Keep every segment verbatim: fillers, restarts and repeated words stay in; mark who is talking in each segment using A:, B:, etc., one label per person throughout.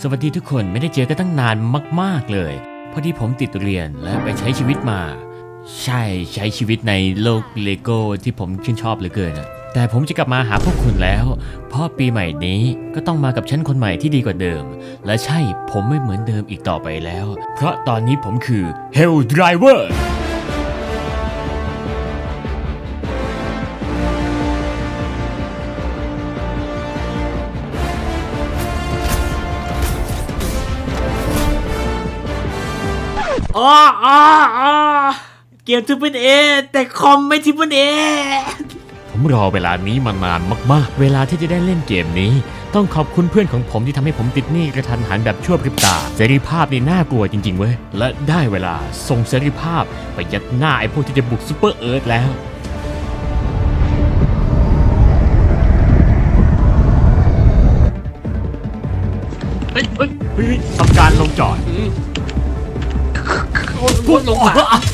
A: วัสดีทุกคนไม่ได้เจอกันตั้งนานมากๆเลยพอดีผมติดเรียนและไปใช้ชีวิตมาใช่ใช้ชีวิตในโลกเลโก้ที่ผมชื่นชอบเหลือเกินนะแต่ผมจะกลับมาหาพวกคุณแล้วเพราะปีใหม่นี้ก็ต้องมากับฉันคนใหม่ที่ดีกว่าเดิมและใช่ผมไม่เหมือนเดิมอีกต่อไปแล้วเพราะตอนนี้ผมคือ Hell Driver
B: อ๋ออ๋ออ๋อเกมทริปเปิลเอแต่คอมไม่ทริปเปิลเอ
A: ผมรอเวลานี้มานานมากๆเวลาที่จะได้เล่นเกมนี้ต้องขอบคุณเพื่อนของผมที่ทำให้ผมติดหนี้กระทันหันแบบชั่วพริบตาเสรีภาพนี่น่ากลัวจริงๆเว้ยและได้เวลาส่งเสรีภาพไปยัดหน้าไอ้พวกที่จะบุกซูเปอร์เอิร์ธแล้ว
B: เฮ้ยเฮ้ย
A: เฮ้ยทำการลงจอด
B: พูดลงมา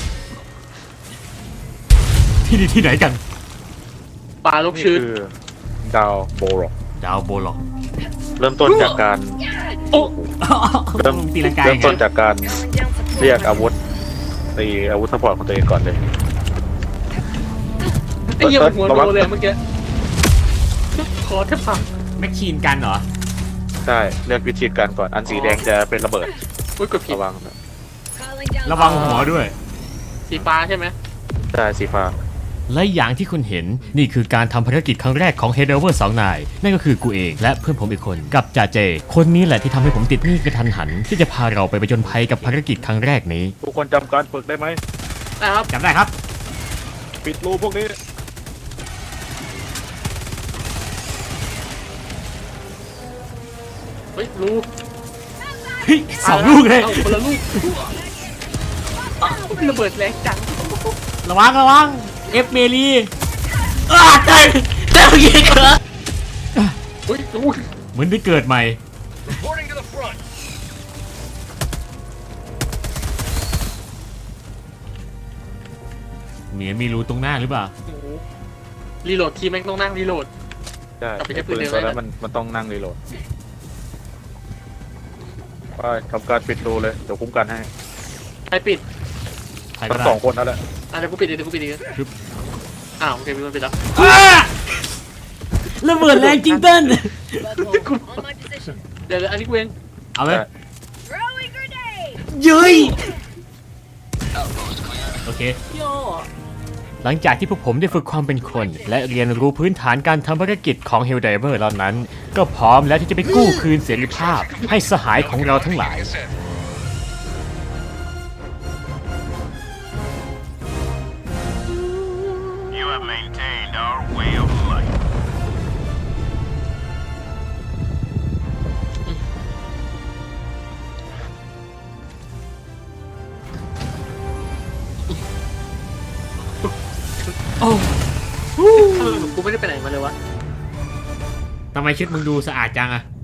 A: ที่นี่ที่ไหนกัน
B: ปลาลูกชื้น
C: คือดาวโบล็อก
A: ดาวโบล็อก
C: เริ่มต้นจากการ
B: โอ้
C: เริ่ม
A: ตีลังกา
C: เริ่ม
A: ไง
C: ต้นจากการเรียกอาวุธตีอาวุธซัพพอร์ตของตัวเองก่อนเลย
B: ไอ้เหี้ยมันหัวโตเลยเมื่อกี้คอแทบพัง
A: แมชชีนกันเหรอ
C: ใช่เลือกวิธีการก่อนอันสีแดงจะเป็นระเบิด
B: อุ้ยกดผิด
C: ระวังนะ
A: ระวังหัวด้วย
B: สีฟ้าใช่ไหม
C: ใช่สีฟ้า
A: และอย่างที่คุณเห็นนี่คือการทำภารกิจครั้งแรกของ Head Over สองนายนั่นก็คือกูเองและเพื่อนผมอีกคนกับจ่าเจคนนี้แหละที่ทำให้ผมติดหนี้กระทันหันที่จะพาเราไปผจญภัยกับภารกิจครั้งแรกนี้
C: ทุกคนจำการฝึกได้ไหม
B: นะครับ
A: จำได้ครับ
C: ปิดรูพวกนี้
B: เฮ้ยรู้
A: เฮ้ยสองลูกเลย
B: อาคนละลูกอ้าวระเบิดแรงจัง
A: ระวังระวังเอฟเมลี
B: อ้าได้ได้ยิงเหรอเฮ้ยอุ้ย
A: เหมือนได้เกิดใหม่เหมียมีรูตรงหน้าหรือเปล่า
B: โอ้โหรีโหลดทีแม่งต้องนั่งรีโหลด
C: ใช่
B: กลับไปใช้ปื
C: ปื
B: น
C: น
B: เดิม
C: ตัว
B: ได้
C: นั้นมันมันต้องนั่งรีโหลดไปทำการปิดรูเลยเดี๋ยวคุ้มกันให้
B: ใครปิด
A: ใครก็
C: ทั้ง
A: ได้
C: สองคนนั่นแหละ
B: อ่ะเดี๋ยวกูปิดเดี๋ยวกูปิดอีกอ้าวโอเคมีคนปิดแล้ว
A: ระเบิดแรงจริงเต้น
D: On my position.
B: เดี๋ยวอันนี้กูเอง
A: เอาเลย
D: Throwing grenade.
A: ยืยโอเค
B: ย่อ
A: หลังจากที่พวกผมได้ฝึกความเป็นคน และเรียนรู้พื้นฐานการทำภารกิจของ Helldiver เหล่านั้น ก็พร้อมแล้วที่จะไปกู้คืนเสรีภาพให้สหายของเราทั้งหลาย
E: You have maintained our way of life.
B: โอ้ทำไมกูไม่ได้ไปไหนมาเลยวะ
A: ทำไมชุดมึงดูสะอาดจังอะ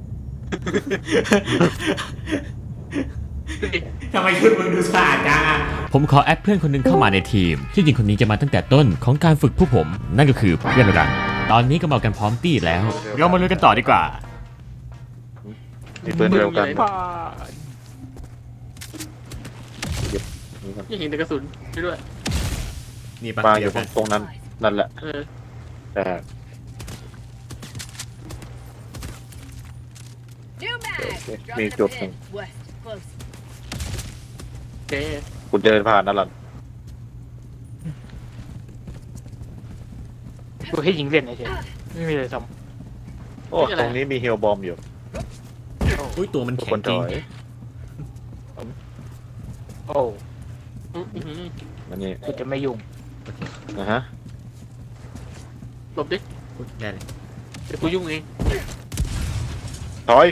A: ทำไมชุดมึงดูสะอาดจังอะผมขอแอดเพื่อนคนหนึงเข้ามาในทีม ที่จริงคนนี้จะมาตั้งแต่ต้นของการฝึกผู้ผม นั่นก็คือเพื่อนรันตอนนี้ก็มากันพร้อมตี้แล้ว เรามาลุยกันต่อดีกว่า
C: มีปืนเดียวกัน
B: ยังเห็นแต่กระสุนไปด้วย
A: นี่ปะ
C: มาอยู่ตรงนั้นนั่นแหละ
B: เออ
C: แต่
D: New mag.
C: Okay,
D: Dropping
C: me
D: a
C: too.
D: pin. West. Close.
B: โอเค
C: คุณเดินผ่านนั่นแหละ
F: กูให้ยิงเล่นเฉยไม่มีอะไรท
C: โอ้ตรงนี้มีเฮลบอมอยู่
A: อุ้ยตัวมัน
C: ทุก
A: แข็
C: ค
A: ง
C: น
A: จ
C: ถ
A: ริง
C: อย
F: ำโอ้
B: อื้อหือ
C: อันนี้
F: กูจะไม่ยุ่ง
C: นะฮะ
B: หลบดิ
A: อุ๊ยได้เลย
B: เดี๋ยวกูยุ่งเอง
C: ถอย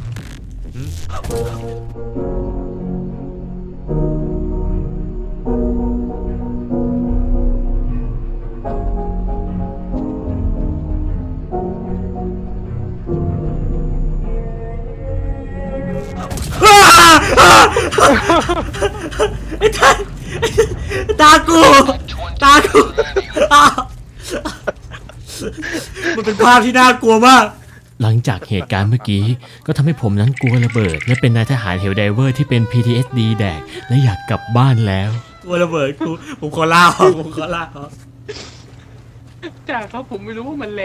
A: ตากูตากูมันเป็นภาพที่น่ากลัวมากหลังจากเหตุการณ์เมื่อกี้ก็ทำให้ผมนั้นกลัวระเบิด และเป็นนายทหารเฮลไดเวอร์ที่เป็น พี ที เอส ดี แดกและอยากกลับบ้านแล้ว
B: ตัวระเบิดกูผมขอล่าออกผมขอล่าออก
F: จ่าครับผมไม่รู้ว่ามันแรง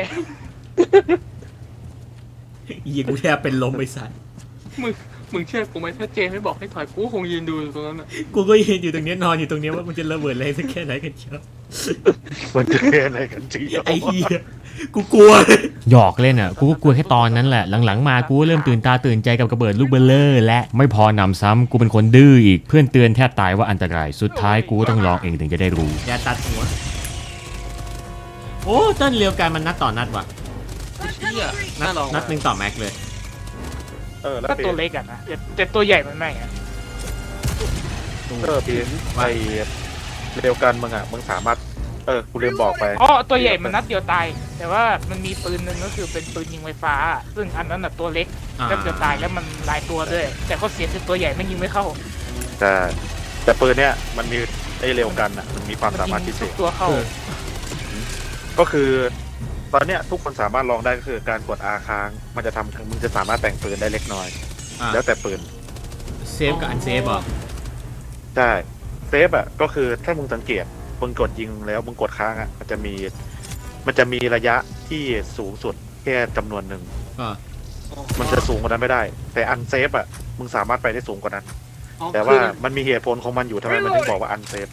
B: ยิงกูแทบเป็นลมไปสัตว์
F: มึงมึงเชื่อกูไหมถ้าเจไม่บอกให้ถอยกูคงยืนดูอยู่ตรงนั้นอ่ะ
B: กูก็ยืนอยู่ตรงเนี้ยนอนอยู่ตรงเนี้ยว่ามันจะระเบิดแรงสักแค่ไหนกันเชียว
C: มันจะแค่ไหนกันจริง
B: ไอ้เหี้ยกูกลัว
A: หยอกเล่นอ่ะกูก็กลัวแค่ตอนนั้นแหละหลังๆมากูก็เริ่มตื่นตาตื่นใจกับระเบิดลูกเบลเลอร์และไม่พอนำซ้ำกูเป็นคนดื้ออีกเพื่อนเตือนแทบตายว่าอันตรายสุดท้ายกูก็ต้องลองเองถึงจะได้รู้
B: อย่าตัดหัวโอ้เต้นเรียวกันมันนัดต่อนัดว่ะ
F: เชี่ย
B: นั
F: น่า
B: ด
F: ลอง
B: นัดหนึ่งต่อแม็กเลย
C: เออแล้ว
F: ก็
C: เป
F: ตัว
C: ลี่ยน
F: เล็กอ่ะนะแต่แต่ตัวใหญ่มันไม่อ่ะ
C: เออเปลี่ยนไอเร็วกันมึงอ่ะมึงสามารถเออกูลืมบอกไป
F: อ๋อตัวใหญ่มันนัดเดียวตายแต่ว่ามันมีปืนหนึ่งก็คือเป็นปืนยิงไฟฟ้า ซึ่งอันนั้นน่ะตัวเล็ก
B: อ่า
F: นัดเดียวตายแล้วมันหลายตัวด้วยแต่ข้อเสียคือตัวใหญ่ไม่ยิงไม่เข้า
C: แต่แต่ปืนเนี้ยมันมีไอเร็วกันอ่ะมันมีความ
F: มัน
C: สามารถ
F: ยิ
C: พิ
F: ง
C: เศ
F: ทุก
C: ษ
F: ตัวเข้า
C: ก็คือตอนเนี้ยทุกคนสามารถลองได้ก็คือการกด R ค้างมันจะทำมึงจะสามารถแต่งปืนได้เล็กน้อย
B: อ่ะ
C: แล้วแต่ปืน
B: เซฟกับอันเซฟเหรอ
C: ใช่เซฟอ่ะก็คือถ้ามึงสังเกตมึงกดยิงแล้วมึงกดค้างอ่ะมันจะมีมันจะมีระยะที่สูงสุดแค่จำนวนหนึ่ง
B: อ่ะ
C: มันจะสูงกว่านั้นไม่ได้ แต่อันเซฟอ่ะมึงสามารถไปได้สูงกว่านั้น แต่ว่ามันมีเหตุผลของมันอยู่ทำไมมันถึงบอกว่าอันเซฟ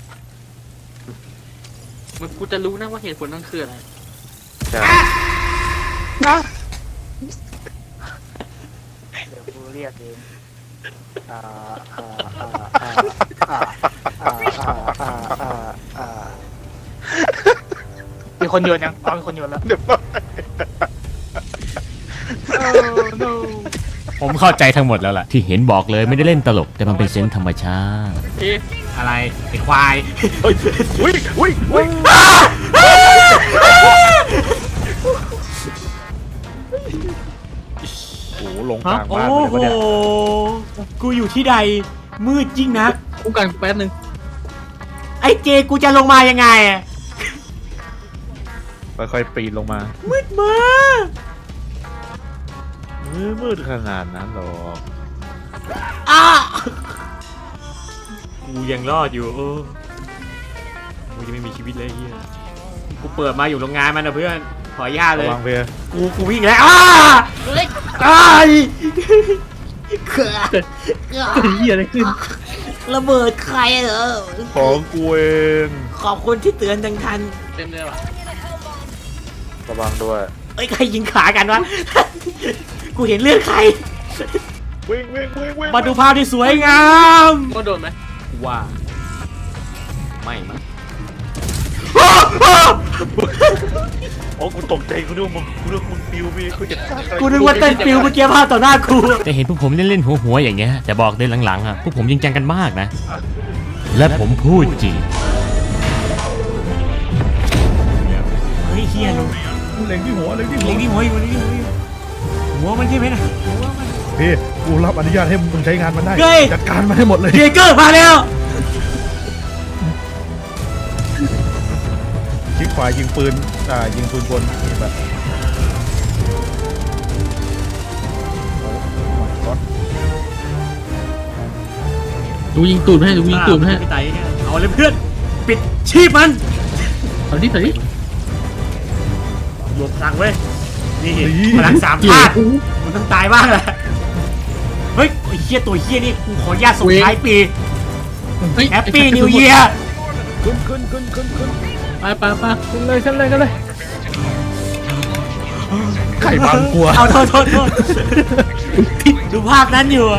F: มันกูจะรู้นะว่าเหตุผลนั่นคืออะไร
C: ใช่
F: เดี๋ยวกูเรียกเองอ่าอ่าอ่าอ่าอ่าอ่าอ่าอ่าอ่ามีคนโยนยังอ๋อมีคนโยนแล้ว
C: เดี๋ยว
F: no
A: ผมเข้าใจทั้งหมดแล้วล่ะที่เห็นบอกเลยไม่ได้เล่นตลกแต่มันเป็นเซนส์ธรรมชาติ
F: เอ๊ะ
B: อะไรไอ้ควาย
C: เฮ้ยอุ้ยอุ้ยอุ้ยโอ้โหลงกลาง
B: โอ้
C: บ้านเลย
B: โห
C: วะเนี่ย
B: กูอยู่ที่ใดมืดยิ่งนัก
F: คุ้มกันแป๊บนึง
B: ไอ้เจกูจะลงมายังไงอะ
C: ค่อยๆปีนลงมา
B: มืดมาก
C: มืดมืดขนาดนั้นหรอ
B: อ้ากูยังรอดอยู่โอ้กูจะไม่มีชีวิตเลยไอ้เฮียกูเปิดมาอยู่โรงงานมันนะเพื่อนขออนุญาตเลย
C: ระวังเพื่อ
B: กูกูวิ่งแล้วอ้าอ้ายเขื่อ
F: เหี้ยอะไรขึ้น
B: ระเบิดใครเหรอ
C: ของกูเอง
B: ขอบคุณที่เตือนทันทัน
F: เต็มเลยว่ะ
C: ระวังด้วย
B: เอ้ยใครยิงขากันวะ กูเห็นเลือดใคร
C: วิ่งวิ่งวิ่งวิ่ง
B: มาดูภาพที่สวยงาม
F: ก็โดนไหม
B: ว่าไม่มั้ง
C: โอ้กูตกใจกูนึกว่ามึงกูนึกว่ามึงปิวพี่กูจะฆ่าใคร
B: กูนึกว่าเต้นปิวเมื่อกี้ภาพต่อหน้ากู
A: แต่เห็นพวกผมเล่นๆหัวๆอย่างเงี้ยแต่บอกเลยหลังๆอ่ะพวกผมจริงจังกันมากนะ และผมพูดจริง
B: เฮ้ยเฮียลง
G: เล็งที่หัวเล็งที่หั
B: เล็
G: ว
B: งที่หัวอยู่เล็งที่หัวอยู่หัวมันใช่ไหมนะหัวมัน
G: พี่กูรับอนุญาตให้มึงใช้งานมันได้
B: เฮ้ย
G: จัดการมันให้หมดเลย
B: เจเกอร์มาแล้ว
G: คลิกขวายิงปืนอ่ายิงปืนบนแบบก๊อต
H: ดูยิงตูดให้ดูยิงตูดให้
B: พี่ไต่เอาเลยเพื่อนปิดชีพมัน
H: เอาดิเอาดิ
B: รวมพลังเว้ยนี่พลังสามธาตุมันต้องตายบ้างแหละเฮ้ยไอ้เฮียตัวเฮียนี่กูขออนุญาตส่งท้ายปี
H: เฮ้ย
B: แฮปปี้นิวเยียร์
G: ขึ้นขึ้นขึ้นขึ้นขึ้น
H: ไปไปไปขึ้นเลยขึ้นเลยกันเลย
G: ไข่บางกลัว
B: เอาโทษโทษโทษดูภาพนั้นอยู่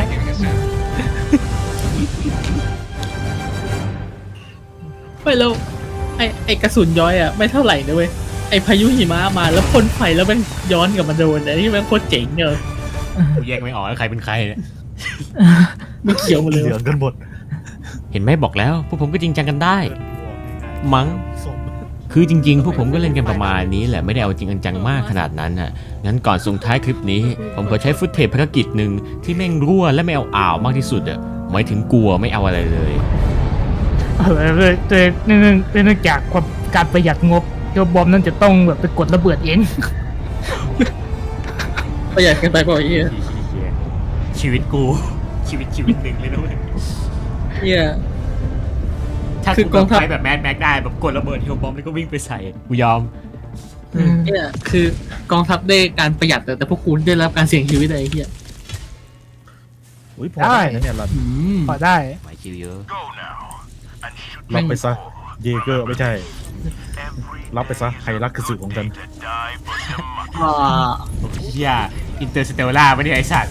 H: ไปแล้วไอไอกระสุนย้อยอ่ะไม่เท่าไหร่นะเว้ยไอพายุหิมะมาแล้วพ่นไฟแล้วมันย้อนกลับมาโดนอันนี้มันโคตรเจ๋งเนอะ
A: กูแยกไม่ออกแล้วใครเป็นใครเนี่ย
H: มันเขียวหมดเลย
G: เหลืองกันหมด
A: เห็นไหมบอกแล้วพวกผมก็จริงจังกันได้ มั้งคือจริงๆ พวกผมก็เล่นกันประมาณนี้แหละไม่ได้เอาจริงจังมากขนาดนั้นน่ะงั้นก่อนส่งท้ายคลิปนี้ ผมขอใช้ฟุตเทปภารกิจหนึ่งที่แม่งรั่วและไม่เอาอ่าวมากที่สุดอ่ะหมายถึงกลัวไม่เอาอะไรเลย
I: เออเลยแต่เนื่องเนื่องจากความการประหยัดงบเจ้าบอมนั่นจะต้องแบบไปกดระเบิดเอง
H: ประหยัดกันไปเปล่าไอ้เหี้ย
B: ชีวิตกู ชีวิตชีวิตหนึ่งเลยนะเว้ย
H: เหี้ย
B: ถ้า
H: คื
B: กู
H: อกองทัพ
B: ไปแบบแมดแม็กได้แบบกดระเบิดเฮลบอมแล้วก็วิ่งไปใส่กูยอม
H: เนี่ยคือกองทัพได้การประหยัดแต่แต่พวกคุณได้รับการเสี่ยงชีวิตอะไรไอ้เหี้ย
G: อุ้ยพอได้นะเนี่ยรัน
H: อืม
I: พอได้
B: หมายคิวเยอะ
E: Go now and shoot
G: รับไปซะเยเกอร์ไม่ใช่
E: every
G: รับไปซะใครรักคือสื่อของฉัน
E: to die for democracy.
H: อ่า
B: โอ้ยเหี้ยอินเตอร์สเตลล่าไม่ได้ไอสัตว์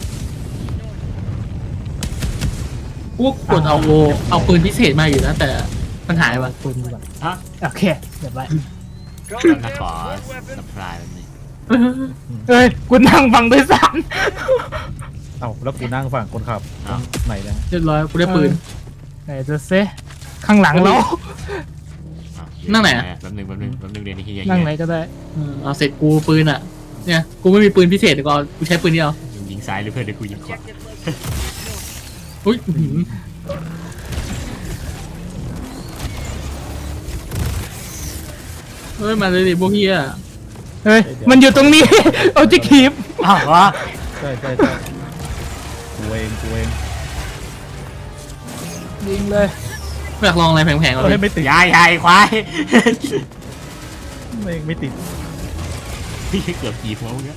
H: พวกกดเอาโวเอาปืนพิเศษมาอยู่นะแต่มันหายว่ะ
I: ปืนดีกว่า
B: ฮะ
I: โอเคเดี๋ยวไป
B: นักขอสัพพลายแบบนี้
I: เอ้ยกูนั่งฟังด้วยซ้
G: เอ้าแล้วกูนั่งฝั่งคนขับ
B: อ้าว
G: ไหนนะ
H: เรียบร้อยกูได้ปืน
I: ำไหนจะเซข้างหลังเรา
B: อ้าว
H: นั่งไหนอะ
B: แป๊บนึงแป๊บนึงแป๊บนึงเรียนที่เฮีย
I: นั่งไหนก็ได้
H: เออเอาเสร็จกูปืนอ่ะเนี่ยกูไม่มีปืนพิเศษแต่ก็เอากูใช้ปืนเดียว
B: ยิงซ้ายหรือเพื่อนเดี๋ยวกูยิงขวา
H: อุ้ยอื้อหือเฮ้ยมาเลยดิพวกเฮีย
I: เฮ้ยมันอยู่ตรงนี้ เอาจิคีบ
B: อ้าววะ
G: ใช่ใช่ใช่กูเองกูเอง
I: ยิงเลย
H: อยากลองอะไรแพงๆก่อน
G: เฮ้
H: เลย ย
G: ไม่ติด
B: ยายยายควาย
G: ไม่ไม่ติด
B: พี่เกือบกี่หัวมึงเนี่ย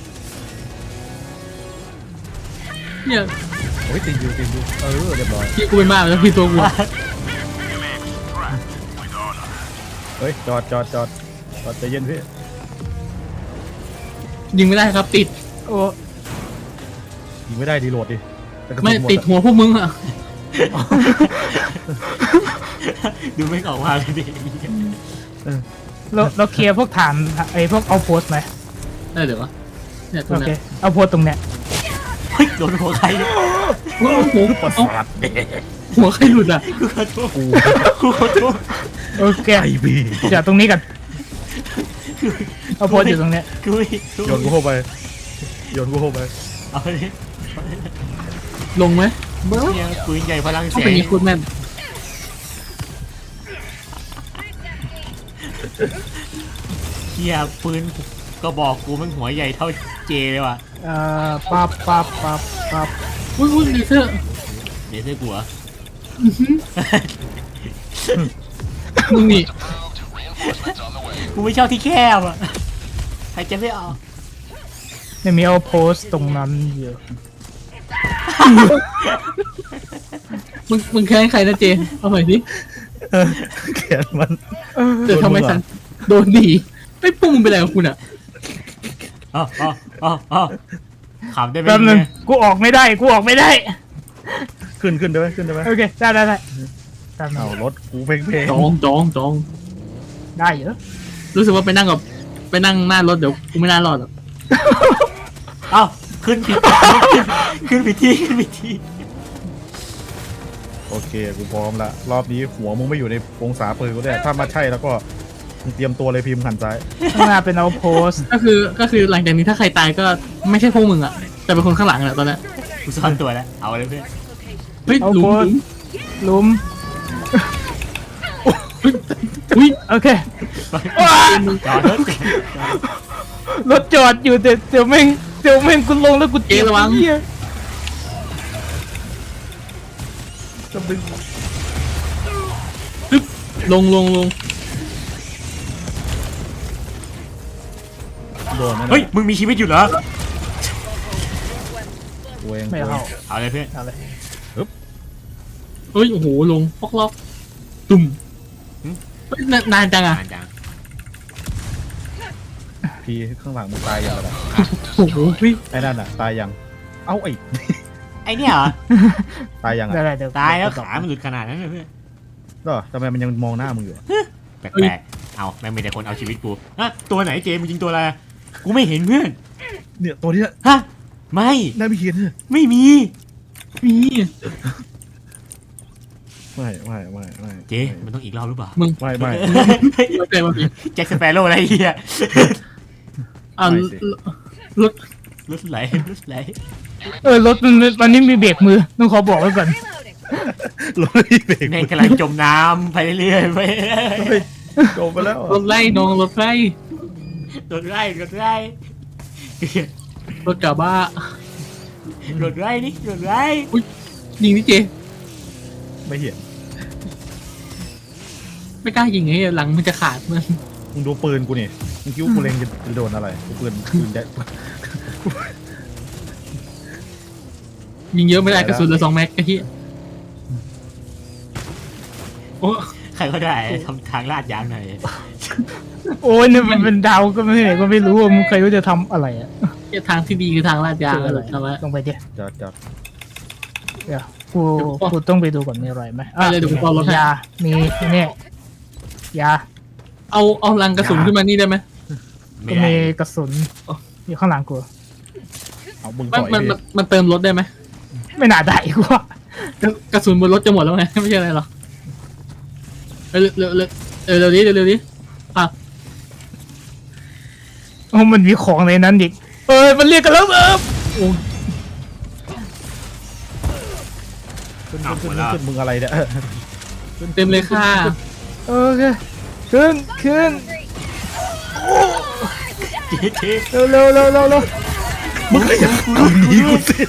H: เนี่ย
G: โอ้ยติดอยู่ติดอยู่เออเรียบร้อย
H: พี่กูเป็นมากแล้วพี่ตัวกู
G: เฮ้ยจอดจอดจอดจอดใจเย็นพี่
H: ยิงไม่ได้ครับติด
I: โอ้
G: ยิงไม่ได้ดีโหลดดิแต่กระสุน
H: ไม่
G: หด
H: ติด
G: อะ
H: หัวพวกมึงอ่ะ
B: ดูไม่ออกมาเลยดิ
I: เราเราเคลียร์พวกฐานไอ้พวกเอาโพสไหม
H: ได้เดี๋ยววะเนี่ยตรง
I: โอเค
H: เนี้ย
I: เอาโพสตรงเนี้ย
B: เฮ้ยโดนหัวใครเนี่ย
H: โอ้โห
G: ประสาท
H: หัวใครหลุดอ่ะ
B: กูขอโทษกูขอโทษ
I: โอเค
G: ไอพี่
I: จอดตรงนี้กันเอาโพสอยู่ตรงเนี้ย
B: กูไม่
G: โยนกูเข้าไปโยนกูเข้าไป
B: เอาเลย
H: ลงไหม
B: เนี่ยปืนใหญ่พลัง
H: ถ้า
B: แส
H: เป็น
B: ง
H: นี้คุณแม่น
B: เฮียปืนก็บอกกูมันหัวใหญ่เท่าเจเลยว่ะ
I: เอ่อปั๊บปั๊บปั๊บปั๊บ
H: อุ้ยอุ้ยดีเซอร์
B: เดี๋ยวเสื้อกูเหรอ
H: มึงนี่
B: กูไม่ชอบที่แคบอ่ะใครจะไม่เอา
I: เนี่ยมีเอาโพสตรงนั้นอยู่
H: มึงมึงแค้นใครนะเจเอาใหม่ดิ
G: แขนมัน
H: เดี๋ยวทำไมฉันโดนดีไม่ปุ้งมึงเป็นอะไรกับคุณอ่ะ
B: อ๋ออ๋ออ๋ออ๋อขำได้ไหม
I: แป๊บนึง
B: เนี่ย
I: กูออกไม่ได้กูออกไม่ได้
G: ขึ้นขึ้นได้ไหมขึ้นได้ไหม
I: โอเคได้ได้ได้แป๊บนึ
G: เอา
I: ง
G: รถกูเพ่งเพ่ง
H: จองจองจอง
I: ได้เหรอ
H: รู้สึกว่าไปนั่งกับไปนั่งหน้ารถเดี๋ยวกูไม่น่ารอดหรอก
B: เอ้าขึ้นผิดขึ้นผิดที่ขึ้นผิดที่
G: โอเคกูพร้อมละรอบนี้หัวมึงไม่อยู่ในองศาปืนกูเนี่ยถ้ามาใช่แล้วก็มึงเตรียมตัวเลยพิมพ์หันซ้าย
I: ข้างหน้าเป็นเอาโพส
H: ก็คือก็คือหลังจากนี้ถ้าใครตายก็ไม่ใช่พวกมึงอ่ะแต่เป็นคนข้างหลังแหละตอนนี้
B: กูซ่อนตัวแล้วเอาเลยเพื่อน
H: เฮ้ย
I: เอา
H: หลุ
I: โพ
H: ม
I: ส
H: หลุม
I: ลุม
H: อุ้ย
I: โอเค
B: จอดรถ
I: รถจอดอยู่แต่เดี๋ยวแม่งเดี๋ยวแม่งกูลงแล้วกู
H: เจระวัง
I: เหี้ย
H: ปึ๊บลงลงลง
G: โดนไหม
B: เฮ้ยมึงมีชีวิตอยู่เหรอ
G: กูเอง
I: ไม่เข้า
B: เอาเลยเพื่อน
I: เอาเลย
H: เฮ้ยโอ้โหลงปอกล็อกตุ่มเฮ้ยนานนานจังอ่ะ
B: นานจัง
G: พี่ข้างหลังมึงตายยังไง
H: โอ้โหพี่
G: ไอ้นั่นอ่ะตายยังเอ้าไอ้
B: ไอเนี่ยเหรอ
G: ตายยัง
I: ได้
G: อ่ะ
I: ได้เดี๋ยว
B: ตายแล้วขามันหลุดขนาดนั้นเลยเพื่อน
G: ก็ทำไมมันยังมองหน้ามึงอยู่อะ
B: แปลกๆเอาแม่งมีแต่คนเอาชีวิตกูอะตัวไหนเจมึงยิงตัวอะไรอะกูไม่เห็นเพื่อน
G: เนี่ยตัวเนี้ย
B: ฮะไม่
G: ได้ไม่เห็นเนี่ย
B: ไม่มี
H: มี
G: ไม่ไม่ไม่ไม่
B: เจมันต้องอีกรอบหรือเปล่า
H: มึง
G: ไม่ไม่
H: รถอะไรมาพี่
B: แจ็คสเปโร่อะไรเฮีย
H: อ่า
G: ไม่สิ
H: รถ
B: รถไหลรถไหล
I: เออรถมันมันนี่มีเบรกมือต้องขอบอกไว้ก่อน
D: Reloading.
G: รถไม่เบรก
B: แม่งกำลังจมน้ำไปเรื่อยๆไป
G: เฮ้ยจบไปแล้ว
H: รถไล่น้องรถไล่
B: รถไล่รถไล่
H: รรถกระบะ
B: หลุดไรนี่หลุดไร
H: ยิงนี่เจ
G: ไม่เห็น
H: ไม่กล้ายิงไงหลังมันจะขาดมัน
G: มึงดูปืนกูนี่มึงคิดว่ากูเล็งจะจะโดนอะไรกูปืนปืนใหญ่
H: ยิงเยอะไม่ได้กระสุนเหลือสองแม็กไอ้เหี้ยโอ้
B: ใครก็ได้ทำทางลาดยางหน่อย
I: โอ้ยเนี่ยมันเป็นดาวก็ไม่ก็ไม่รู้ว่ามึงใครรู้จะทำอะไรอ่ะ
H: เหี้ยทางที่ดีคือทางลาดยาง
I: คืออะไร
H: ทำไม
I: ลงไปดิ
G: จอดจอด
I: เดี๋ยวกูกูต้องไปดูก่อนมีอะไรไหมอ่ะ
H: ไปเลยเดี๋ยวกูเอารถให้
I: ยามีเนี่ยยา
H: เอาเอาลังกระสุนขึ้นมานี่ได้ไหม
B: ไม่
I: ก็
B: ได้
I: มีกระสุนอยู่ข้างหลังกู
G: เอามึง
H: มัน
G: ต่อย
H: มัน
G: ดิ
H: มันมันเติมรถได้ไหม
I: ไม่น่าได้กูว่าก
H: ระสุนบนรถจะหมดแล้วไง ไม่ใช่อะไรหรอกเร็วเร็วเร็วเร็วเร็วนี้เร็วเร็วนี้อ่ะ
I: โอ้มันมีของในนั้นอีกเอ้ยมันเรียกกันแล้วเออโอ้
G: ขึ้นขึ้นขึ้นขึ้นมึงอะไรเนี่ย
H: เต็มเลยค่ะ
I: โอเคขึ้นขึ้น
B: เจ๊เจ๊
I: เร็วเร็วเร็วเร็วเร็ว
G: มึงก็อย่ากูหนีกูสิ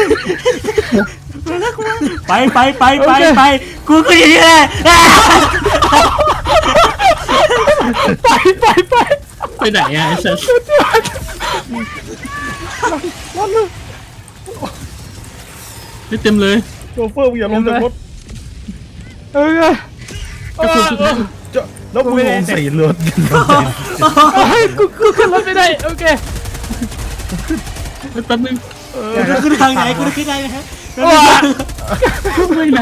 B: ไปไปไปไปไปกูก็อย่างนี้แหละ
I: ไปไปไป
H: ไปไหนอ่ะไอ้สัสไม่เต็มเลย
G: โชเฟอร์มึงอย่าลงจากรถ
I: เออก
H: ระสุนสุดท้าย
G: จะแล้วมึงลงใส่รถ
I: เฮ้ยกูกูขึ้นรถไม่ได้โอเค
H: แป๊บนึง
B: กูจะขึ้นทางไหนกูจะขึ้นได้ไหมฮะ
H: ไม่นะ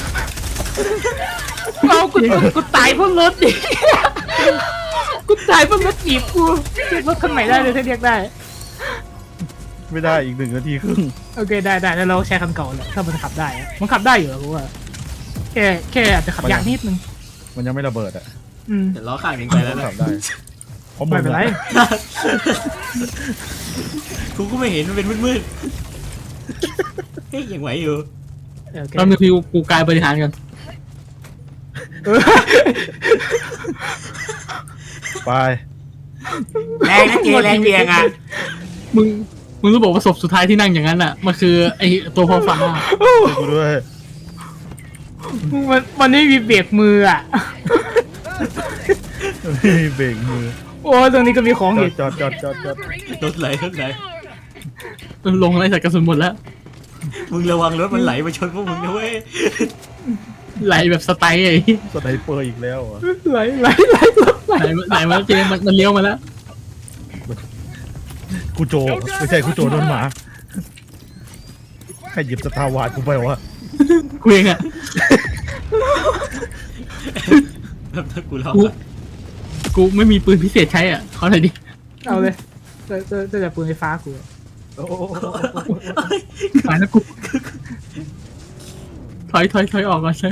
I: เอากูกูตายเพราะรถดิกูตายเพราะรถจีบกูเรียกรถคันใหม่ได้เลยถ้าเรียกได้
G: ไม่ได้อีกหนึ่งนาทีครึ่ง
I: โอเคได้ได้แล้วเราใช้คันเก่าแหละถ้ามันขับได้อะมันขับได้อยู่แล้วกูว่าแค่แค่อาจจะขับยากนิดนึง
G: มันยังไม่ระเบิดอ่ะ
I: อืม
B: เดี๋ยวล้อข้างหนึ่งไปแล้วนะ
G: ขับได้เพราะมึ
I: ไม่
G: ง
I: เป็นไร
G: อะ
B: กูก็ไม่เห็นมันเป็นมืดๆเฮ้ยยังไหวอยู่
I: โอเค
H: แป๊บนึงพี่กูกายบริหารกัน
G: ไป
B: แรงนะเจแรงเบียงอ่ะ
H: มึงมึงรู้บอกว่าศพสุดท้ายที่นั่งอย่างนั้นอ่ะมันคือไอตัวพอฟ้า
G: ช่วยกูด้วย
I: มันมันไม่มีเบรกมืออ่ะ
G: นี่เบรกมือ
I: โอ้ตรงนี้ก็มีของ
G: จอ
I: อี
G: ด
I: ก
G: จอดจอดจอดจอด
B: รถไหลรถไหล
H: ลงอะไรใส่กระสุนหมดแล้ว
B: มึงระวังรถมันไหลมาชนพวกมึงนะเว้ย
H: ไหลแบบสไตล์ไอ้
G: สไนเปอร์อีกแล้วอ่ะ
I: ไหลไหลไหลไหล
H: ไหลมาไหลมาเจมันมันเลี้ยวมาแล้ว
G: กูโจไม่ใช่กูโจโดนหมาใครหยิบสตาร์วาร์ดกูไปวะ
H: กูเองอ่ะ
B: แบบถ้ากูรอ
H: กูกูไม่มีปืนพิเศษใช้อ่ะเขาไหนอยดิ
I: เอาเลยจะจะจะจะปืนไฟฟ้ากู
G: โอ้โห
H: หายแล้วกูถอยถอยถอยออกก่อนใช่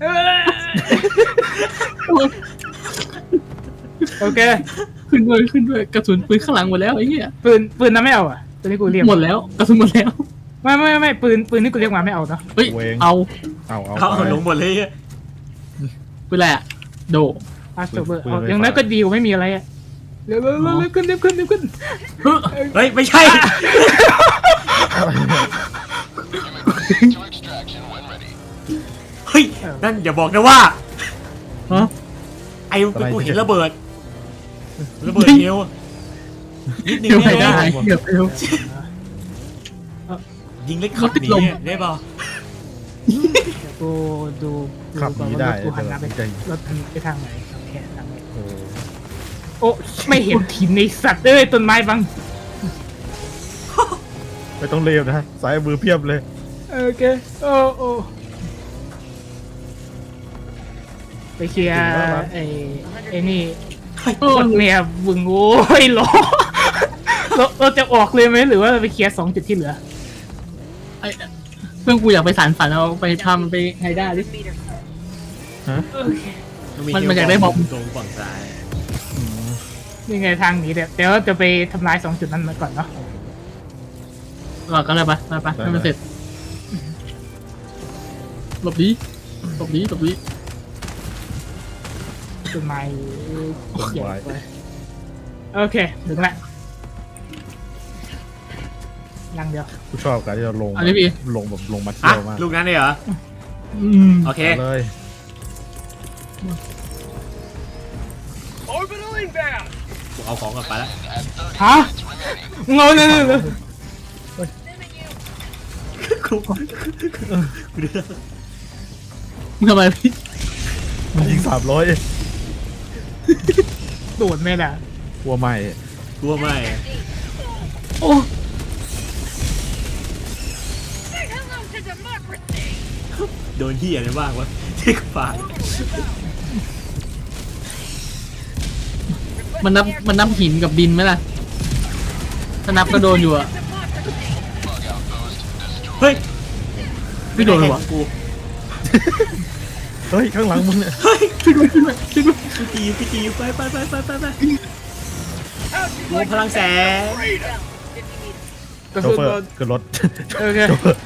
I: โอเค
H: ขึ้นด้วยขึ้นด้วยกระสุนปืนข้างหลังหมดแล้วไอ้เหี้ย
I: ปืนปืนนั้นไม่เอาอ่ะปืนที่กูเรียก
H: หมดแล้วกระสุนหมดแล้ว
I: ไม่ไม่ไม่ปืนปืนที่กูเรียกมาไม่เอาเนาะ
H: เฮ้ยเอา
G: เอาเอา
B: เขา
G: ไป
B: เอาลงหมดเลยอะ
H: ปืนอะไรอ่ะโด
I: พาสเบอร์
G: ปืน
I: เอา
G: ไฟฟ้า
I: อย่างนั้นก็ดีกว่าไม่มีอะไรอ่ะเร็วเร็วเร็วเร็วขึ้นเร็วขึ้นเร็วขึ้น
B: เฮ้ยไม่ใช่ เฮ้ยนั่นอย่าบอกนะว่า
H: ฮะ
B: ไอ้กูเห็นระเบิดระเบิดเฮลนิดนึง
H: เดี๋ยวไม่
B: ได้
H: ได้
B: ไหม
H: เดี๋ยวเดี๋ยว
B: ยิงเล็กขับหนีอะได้เปล่า
I: เดี๋ยวกูดูดู
G: ขับ
I: ก่อน
G: หนี
I: ว่า
G: ได้
I: รถกูหันหน้าไป
G: ใจ
I: รถมันไปทางไหนโอเคทางไหน
G: โอ้
I: โอ้ไม่เห็นถิ่นในสัตว์เอ้ยต้นไม้บัง
G: ไม่ต้องเร็วนะสายมือเพียบเลย
I: โอเคโอ้โอ้ไปเคลียร์ไอ้ไอ้นี่โคตรเมียบึงโอ้ยหรอเราเราจะออกเลยไหมหรือว่าไปเคลียร์สองจุดที่เหลือ
H: ไอ้เพื่อนกูอยากไปสารฝันเอาไปทำไปไฮด้าดิ
I: โอเค
H: มันมันอยากได้บอม
B: ตรงฝั่งซ้าย
I: นี่ไงทางหนี้เดี๋ยวเดี๋ยวจะไปทำลายสองจุดนั้นมาก่อนเนาะ
H: หลอกกันเลยปะมาปะให้มันเสร็จหลบดีหลบดีหลบดี
I: ต้นไม้
G: ต้นไม้
I: โอเคถึงละยังเดียว
G: กูชอบการที่เราลง
H: อันนี้พี่
G: ลงแบบลงมา
B: อ่ะ
G: เที่ยวมาก
B: ลูกนั้นเลยเหรอ
H: อืม
B: โอเค
G: เอาเลย
B: กูเอาของกลับไปแล้ว
I: ฮะมึงเอาเลยเลยเลย
B: กูกูดู
H: มึงทำไมพี่
G: มันยิงสามร้อย
I: โดดไม่ได้
G: กลัวไม่
B: กลัวไม่
H: โอ้
D: Say hello to democracy.
B: โดนเหี้ยอะไรบ้างวะที่ฝาก
H: มันนับมันนับหินกับดินไหมล่ะถ้านับก็โดนอยู่อะ
B: เฮ้ย
H: ไม่โดนเลยวะ
B: กู
G: เฮ้ยข้างหลังมึงเนี่ย
B: เฮ้ย
H: ช่วยด้วยช่วยด้วยช่วยด้วย
B: พี่ตีพี่ตีไปไปไปไปไปไปรวมพลังแสง
I: กระ
G: โช
I: สุน
G: เฟอ
I: โดน
G: ร์ขึ้นรถ
I: โอเค
G: โชเฟอร์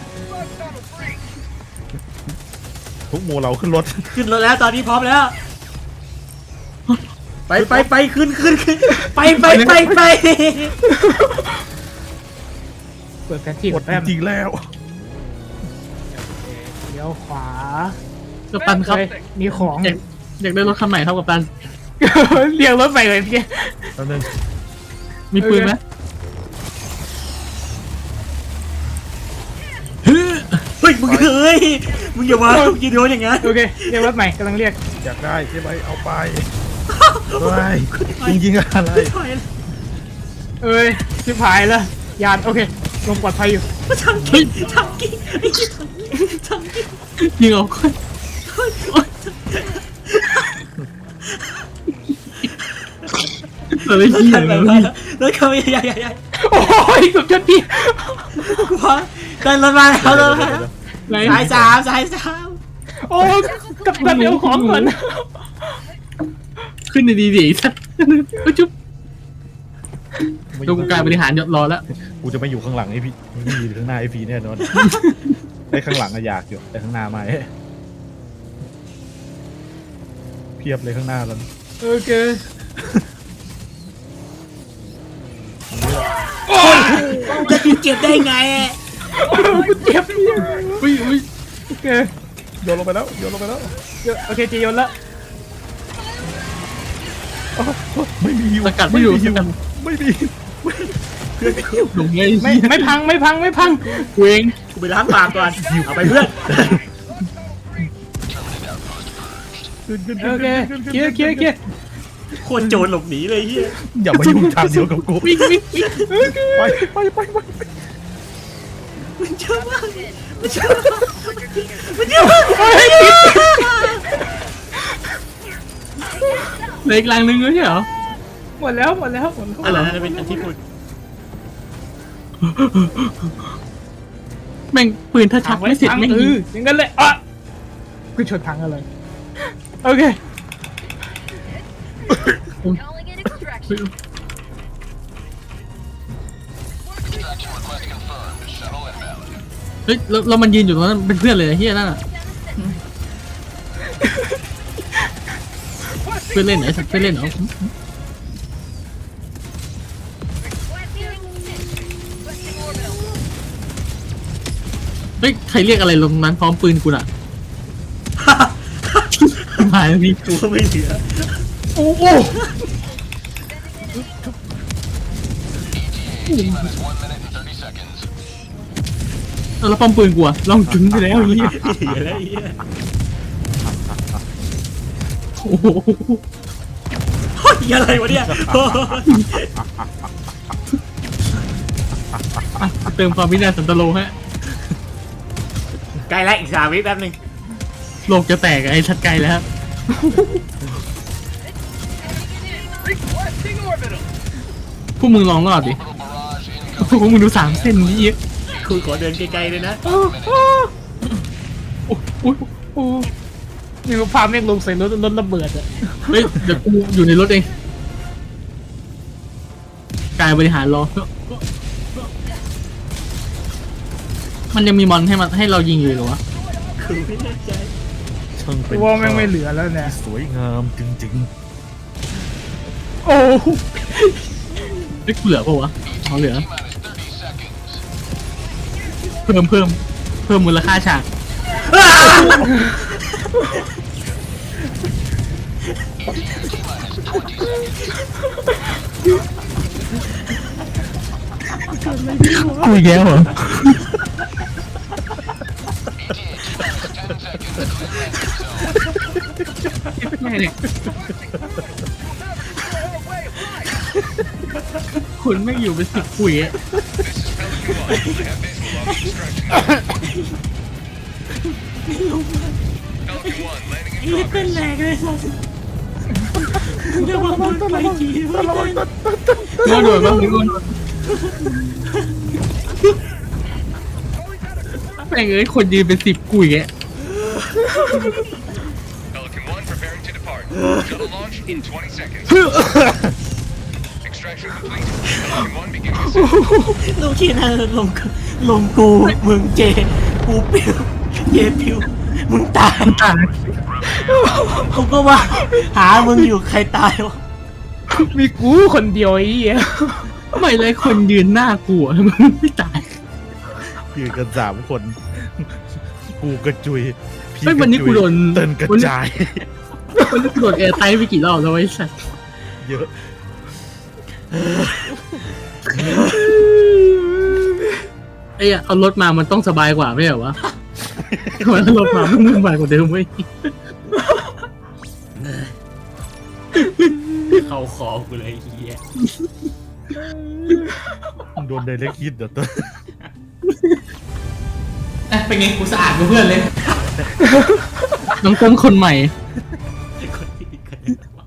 G: ทุกหมู่เราขึ้นรถ
B: ขึ้นรถแล้วตอนนี้พร้อมแล้ว ไปไปไปขึ้นขึ้นขึ้นไปไปไปไป
I: เปิดแผนที่
G: หม
I: ก่อ
G: ด
I: นแป๊บ
G: จริงๆแล้ว
I: เดี๋ยวขวา
H: กัปตันครับ
I: เฮ้ยมีของ
H: อยากอยากได้รถคันใหม่ครับกัปตัน
I: เรียกรถไปเลยพี่
G: แป๊บนึง
H: มีปืนไหม
B: เฮ้ยมึงเฮ้ยมึงอย่ามามึงอย่าโดนอย่างนั้น
I: โอเคเรียกรถใหม่กำลังเรียก
G: อยากได้ใช่ไหมเอาไปเฮ้ยจริงๆอะไร
B: ไม่ถอยเลย
I: เอ้ยชิบหายแล้วยานโอเคลงปลอดภัยอยู่
B: ทำกิ๊กทำกิ๊กไอ้กิ๊กทำกิ๊ก
H: ยิงเอาคนอะไร
B: ทำกิ๊ก
H: เหี้ย
B: ทำแบบ
H: เล
B: นั้น
H: ย
B: แล้วเขาใหญ่ใหญ่ใหญ่
I: โอ้ยเกือบชนพี่
B: กูพอเดินรถมาแล้วรถมาแล้ว
H: ไหน
B: สายสามสายสาม
I: โอ้ยกับตันเดี๋ยวของก่อน
H: ขึ้นดีๆดิสัตว์ก็จุ๊บดูการบริหารยศรอแล้ว
G: กูจะไม่อยู่ข้างหลังไอ้พี่มึงไม่อยู่ข้างหน้าไอ้พี่แน่นอนไอ้ข้างหลังอะอยากอยู่แต่ข้างหน้าไม่เพียบเลยข้างหน้าแล้ว
I: โอเค
B: จะกินเจ็บได้ไง
I: กูเจ็บเนี่ย
H: อุ้ยอุ้ย
I: โอเค
G: โยนลงไปแล้วโยนลงไปแล้ว
I: เดี๋ยวโอเคจีโยนละ
G: ไม่มีฮิว
H: สกัดไม่อยู่ส
G: ฮิว
H: กัด
G: ไม่มี
H: หลงไง
I: ไม่ไม่พังไม่พังไม่พัง
H: เวง
B: กูไปล้างปากก่อนเอาไปเพื่อน
G: ขึ้นขึ้น
I: โอเคเคลียร์เคลียร์เคลียร์
B: โคตรโจรหลบหนีเลยเฮีย
G: อย่ามายุ่งทางเดียวกับกู
H: วิ่งวิ่งวิ่ง
G: ไปไปไปไป
B: มันเยอะมากมันเยอะมากมันเยอะมาก
H: เหลืออีกลังนึงด้วยใช่เหรอ
I: หมดแล้วหมดแล้วหมดแล้ว
B: อะไรนะเป็นอันที่พูด
H: แม่งปืนถ้าชักไม่เสร็จ
I: พัง
H: แม่ง
I: เอ
H: ยิง
I: ออย่างนั้นเลยอ่ะกูชนพังอะไรโอเค
D: Calling in extraction.
H: เฮ้ยแล้วแล้วมันยืนอยู่ตรงนั้นเป็นเพื่อนเลยไอ้เฮียนั่นอ่ะเพื่อนเล่นไหนสักเพื่อนเล่นเหรอ
D: Requesting orbital.
H: เฮ้ยใครเรียกอะไรลงนั้นพร้อมปืนกูน่ะหายพี่
B: กูไม่เหลือ
I: โอ้โห
H: แล้วป้อมปืนกูอะลองถึงไปแล้วไอ้เฮีย
B: ไม่เหลือแล้วไอ้เฮีย
H: โอ้โห
B: เฮ้ยอะไรวะเนี่ยโอ้ย
H: อ่ะเติมความวินาศสันตโลฮะ
B: ใกล้แล้วอีกสามวิแป๊บนึง
H: โลกจะแตกอะไอ้ชัดไกลแล้ว
E: Requesting orbital.
H: พวกมึงลองรอดดิพวกมึงดูสามเส้นนี้
B: คุณขอเดินไกลๆเลยนะ
I: โอ้โหโอ้โหโอ้โหนี่ก็พาแม่งลงใส่รถรถระเบิดอะ
H: เฮ้ยเดี๋ยวกูอยู่ในรถเองกายบริหารรอมันยังมีมอนให้มันให้เรายิงอยู่เหรอวะ
B: คือไม่แน่ใจ
G: ช่างเป็น
I: ว่าแม่งไม่เหลือแล้วเนี่ย
G: สวยงามจริง
I: โอ้โห
H: เฮ้ยกูเหลือปะวะเอาเหลือ
E: T-minus thirty seconds.
H: เพิ่มเพิ่มเพิ่มมูลค่าฉาก กูอีกแล้วเหรอ แม่เนี่ยคุณไม่งอยู่เป็นสิบปุ๋ยอะ
B: นี่เป็นแรงเลยสัสเดี๋ยวมันมันไปจีไม่ได้
H: โดนโดนบ้างโดนแม่งเอ้ยคนยืนเป็นสิบกุยอะ
E: Pelican one preparing to depart. Shuttle launch in twenty seconds. Extraction complete. Pelican one beginning descent.
B: ลูกชิ้นนั่นลงลงกูมึงเจกูปิวเจปิวมึงตาย
H: ตาย
B: กูก็ว่าหามึงอยู่ใครตายวะ
I: มีกูคนเดียวไอ้เหี้ย
H: ไม่เลยคนยืนหน้ากูอะมึงไม่ตาย
G: ยืนกันสามคน กูกระจุยพี่
H: ไม่วันนี้กูโดน
G: เตินกระจาย
H: วันนี้กูโดนแอร์ไทไปกี่รอบแล้วไอ้สัส
G: เยอะ
H: ไอ้อะเอารถมามันต้องสบายกว่าไม่เหรอวะทำไมเอารถมามันวุ่นวายกว่าเดิมเว้ย
B: เข้าคอกูเลยไอ้เฮีย
G: โดนไดเรกฮิตเดี๋ยวเติน
I: เป็นไงกูสะอาดกับเพื่อนเลย
H: น้องต้นคนใหม่
B: คนที่กระเด็นวะ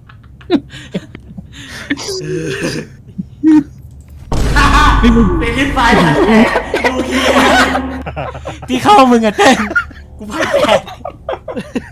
B: เป็นลิ้นไฟผ่านแผลดูเฮียที่เข้ามึงอะเต้นกูผ่านแผล